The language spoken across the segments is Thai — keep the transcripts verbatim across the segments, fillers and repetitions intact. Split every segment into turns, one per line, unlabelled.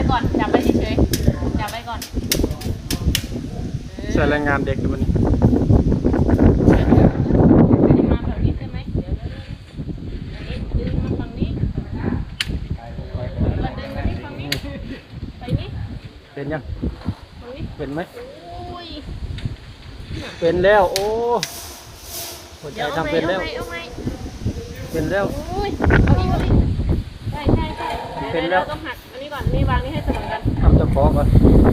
ก่อนจับไว้เฉยๆจับไว้ก่อน
ใส่แรงงานเด็กดูมันนี่
มาแบบนี้ใช่ไหมเดี๋ยวดึงมาฝั่งนี้มาดึงมาที่ฝั่งนี้ไปนี่
เป็นยัง
ฝั่งนี้
เป็นไหม
อุ้ย
เป็นแล้วโอ้หัวใจ
เดี๋ยว
ทำเป็นแล้ว
เอาไหม
เป็นแล้ว
อุ้ยเอาอีกเอาอีกใช่ใช่ใช่เป็นแล้วต้องหักอันนี้ก่อนนี่วางนี่ให้เสมอกัน
ทำเจ้าของก่อน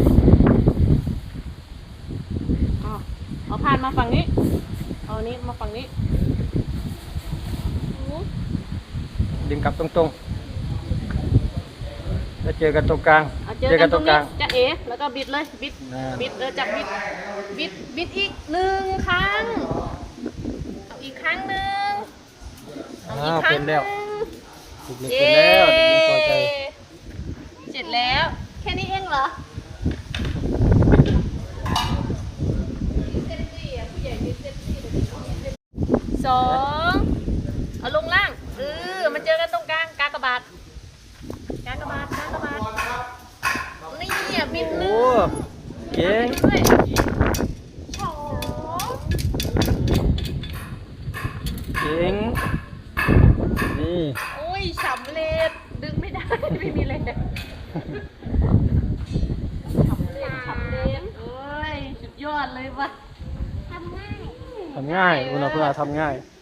เอาผ่านมาฝั่งนี้เอานี้มาฝั่งนี้
ดึงกลับตรงๆแล้วเจอกันตรงกลาง
เจอกันตรงกลางจะเอ๋แล้วก็บิดเลยบิดบิดเออจับบิดบิดบิดอีกหนึ่งครั้งเอาอีกครั้งหนึ่งเอาอีกครั้งหนึ่ง
เสร็จแล้วพอใจ
เสร็จแล้วแค่นี้เองเหรอสองเอาลงล่างเออมันเจอกันตรงกลางกากบาทกากบาทกากบาทนี่อ่ะบิดหนึ่ง
เก่ง
สอง
เก่งนี่
โอ้ยสำเร็จดึงไม่ได้ไม่มีเลยสำเร็จสำเร็จเอ้ยสุดยอดเลยวะทำง่าย
ทำง่ายอุณหภูมิทำง่าย